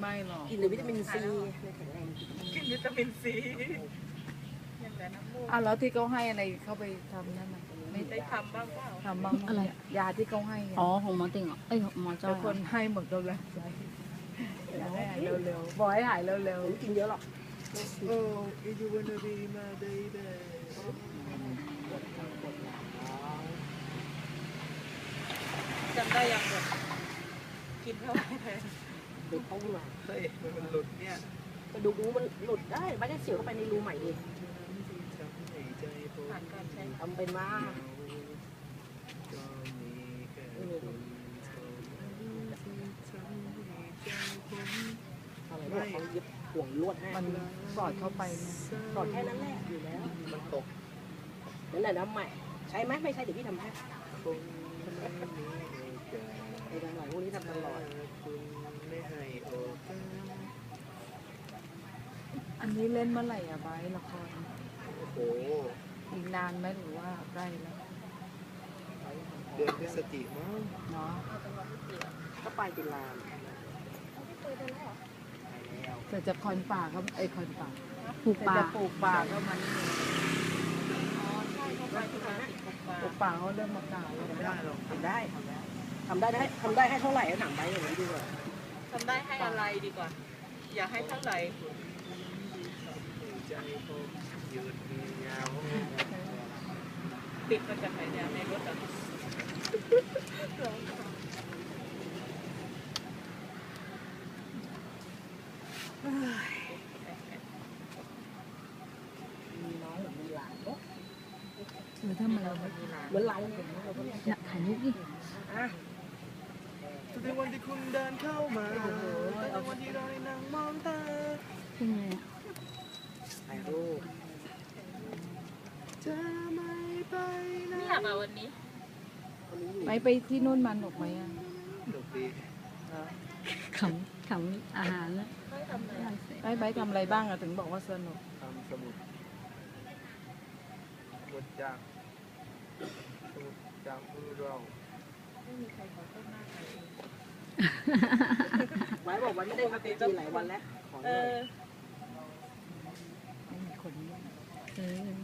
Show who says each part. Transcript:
Speaker 1: ไม่หรอก
Speaker 2: กินหรือวิตามินซีแข็งแรง
Speaker 3: กินวิตามินซีอย่างแต่น้ำมูก
Speaker 1: อ้าวแล้วที่เขาให้อะไรเขาไปทำนั่นน่ะไม่
Speaker 3: ได้ทำบ้างเปล่า
Speaker 1: ทำบ้างไหมเนี่ยยาที่เขาให้อะ
Speaker 4: อ๋อของหมอติ่งเหรอเอ้ยของหมอจ้อ
Speaker 1: แต่
Speaker 4: ย
Speaker 1: คนให้หมดกำลังใจอยากให้หายเร็วๆบอกให้หายเร็ว
Speaker 2: ผมกินเยอะหรอก
Speaker 5: โอ้ยยูวันนาบีมาเบย์
Speaker 3: จำได้ยังหมดกินเท่าไหร่แทน
Speaker 2: เด็กเขาหน่อย
Speaker 5: เฮ้ยมันหลุดเนี่ย
Speaker 2: กระดูกงูมันหลุดได้ไม่ได้เสียวเข้าไปในรูใหม่ดิ
Speaker 5: ทำให้ใจผม
Speaker 3: ผ่านการใช้
Speaker 2: ทำเป็นมา
Speaker 5: ก็มีแค่คุณเท่านั้นที่ทำให้ใจผม
Speaker 2: อะไรเนี่ยเขาเย็บห่วงลวดให้
Speaker 1: ๆมันสอดเข้าไปเนี่ย
Speaker 2: สอดแค่นั้นแหละอยู่แล้ว
Speaker 5: มันตก
Speaker 2: นั่นแหละน้ำใหม่ใช้ไหมไม่ใช่เดี๋ยวพี่ทำให้
Speaker 5: คงไม่มีโอกาส
Speaker 2: ไอ้ทำหน่อยพวกนี้ทำตลอด
Speaker 5: คุณไม่ให้โอกาส
Speaker 1: อันนี้เล่นเมื่อไหร่อะไบร์ทละคร
Speaker 5: โอ้โห
Speaker 1: อีกนานไหมหรือว่าใกล้แล้ว
Speaker 5: เดือนพฤศจิกายนมั้ง
Speaker 1: เนาะ
Speaker 2: ก็ไปตุลา
Speaker 1: แต่จะคอนป่าก็คอนป่า
Speaker 4: ปลูก
Speaker 1: แต่
Speaker 4: ป่า
Speaker 1: จะปลูกป่าก็มัน
Speaker 3: อ๋อใช่เขาไปทุกครั้งติดปกปลา
Speaker 1: ปลูกป่าเขาเริ่มมากล่าวแล้ว
Speaker 5: ไม่ได้หรอก
Speaker 2: ทำได้ให้เท่าไหร่ก็ถามไปอย่างนี้ดีกว่า
Speaker 3: ทำได้ให้อะไรดีกว่า อย่าให้เท่าไหร่
Speaker 5: ใจผมหยุดเหงา
Speaker 3: ติดมาจากไหนเนี่ยในรถอะ
Speaker 2: มีน้องหรือมีหลานเนอะ
Speaker 4: ทำไมเรา
Speaker 2: เหมือนเราเนี่ยเราก็เนี่ย
Speaker 4: อยากถ่ายรูปดิ
Speaker 2: อ่ะ
Speaker 5: ทุกวันที่คุณเดินเข้ามาทุกวันที่เราได้นั่งมองตา
Speaker 4: เป็นไงอะ
Speaker 2: ถ่ายรูป
Speaker 5: จะไม่ไปไหน
Speaker 3: ไม่อยากมาวันนี้
Speaker 2: คนนี้อยู่
Speaker 1: ไปที่นู่นมันหรอกไหมอะ
Speaker 5: ดกดี
Speaker 4: ขำอาหารแล้ว
Speaker 3: ไม่ทำอะไร
Speaker 1: ไปทำอะไรบ้างอะถึงบอกว่าสนุก
Speaker 5: ทำสมุดบทจากสมุดจากมือเรา
Speaker 3: ไม่มีใครขอโทษหน้าใครเอง
Speaker 2: ไว้บอกไว้ไม่ได้มาตีหลายวันแล้วขอห
Speaker 3: เอ
Speaker 2: น่อย
Speaker 3: อ
Speaker 1: ไม่มีคนเล่น
Speaker 4: เออ